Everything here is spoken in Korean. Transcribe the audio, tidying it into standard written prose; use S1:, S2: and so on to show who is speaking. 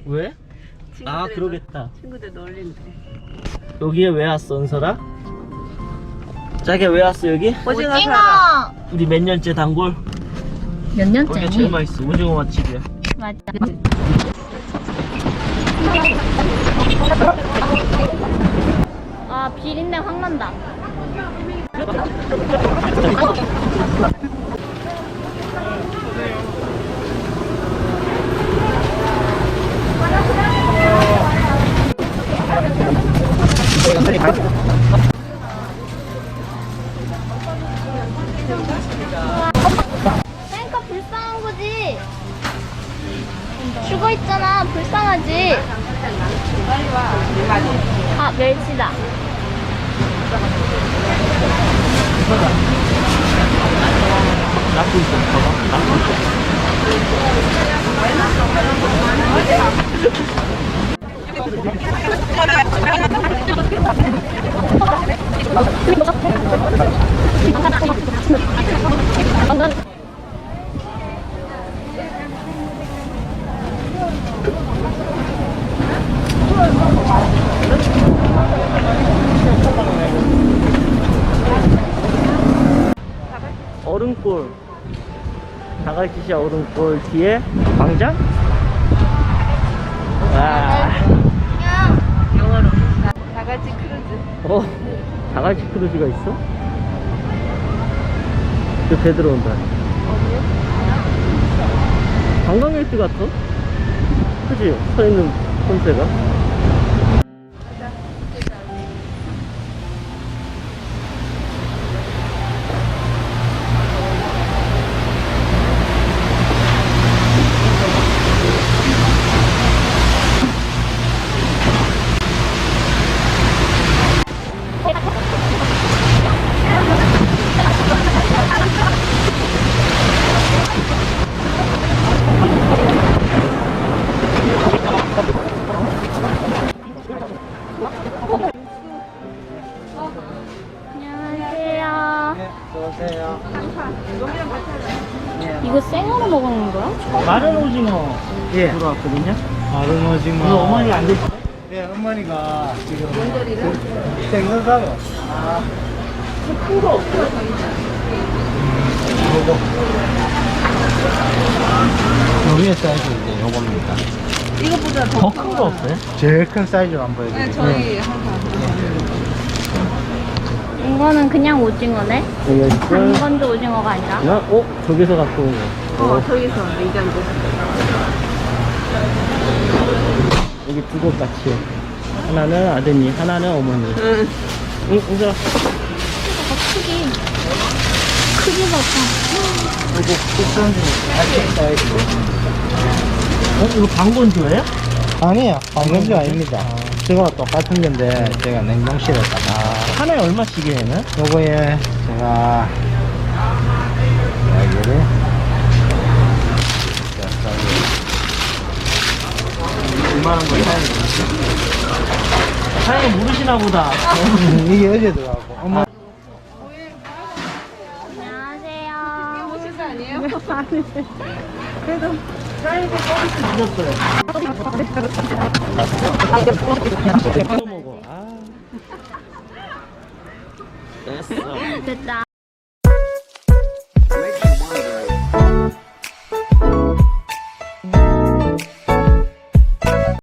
S1: 왜? 아
S2: 친구들
S1: 그러겠다.
S2: 친구들 놀린대.
S1: 여기에 왜 왔어 은설아? 자기야 왜 왔어 여기?
S2: 오징어 사러.
S1: 우리 몇 년째 단골?
S3: 몇
S1: 여기가 제일
S3: 년째니?
S1: 맛있어. 오징어 맛집이야.
S3: 맞아. 아 비린내 확 난다. 그러니까 불쌍한 거지. 죽어 있잖아. 불쌍하지. 아 멸치다.
S1: 낳고 있어. 봐봐. 낳고 있어. 얼음골. 다갈치시 얼음골 뒤에 광장? 와.
S2: 영어로 다 같이 크루즈.
S1: 다갈치 크루즈가 있어? 저 배 들어온다. 관광객들 같아? 그치? 서 있는 폰세가?
S3: 안녕하세요.
S1: 어서오세요.
S3: 이거 생으로 먹는 거야?
S1: 마른 오징어 들어왔거든요.
S4: 마른
S1: 오늘
S4: 오징어.
S1: 어머니가 안 드시죠?
S4: 네, 어머니가 지금 생선 사러.
S1: 큰거 없어요?
S4: 여기에 사이즈인데 요겁니다.
S2: 이것보다
S1: 더 큰 거 없어요?
S4: 제일 큰 사이즈로 한번
S2: 네,
S4: 보여드릴게요.
S2: 저희 항상.
S3: 이거는 그냥 오징어네?
S1: 여기가 있고.
S3: 단건조 오징어가 아니라.
S1: 저기서 갖고 온 거.
S2: 저기서 냉장고.
S1: 여기 두 곳 같이. 하나는 아드님, 하나는 어머니.
S2: 응.
S1: 응, 은설아.
S3: 크기. 크기 봐봐.
S4: 요거 국산 중 알짜 사이즈.
S1: 이거 방건조예요?
S4: 아니에요. 방금도 아닙니다. 저거와 똑같은 건데 제가 냉동실에다가
S1: 하나에 얼마씩이에요, 얘는?
S4: 요거에 제가 여기를
S1: 2만원 거 사장님 모르시나 보다.
S4: 이게 어제 들어가고 엄마
S3: 안녕하세요.
S2: 오실 거 아니에요?
S1: 그래도 사장님 서비스 늦었어요. 먹어. 됐어.
S3: 됐다.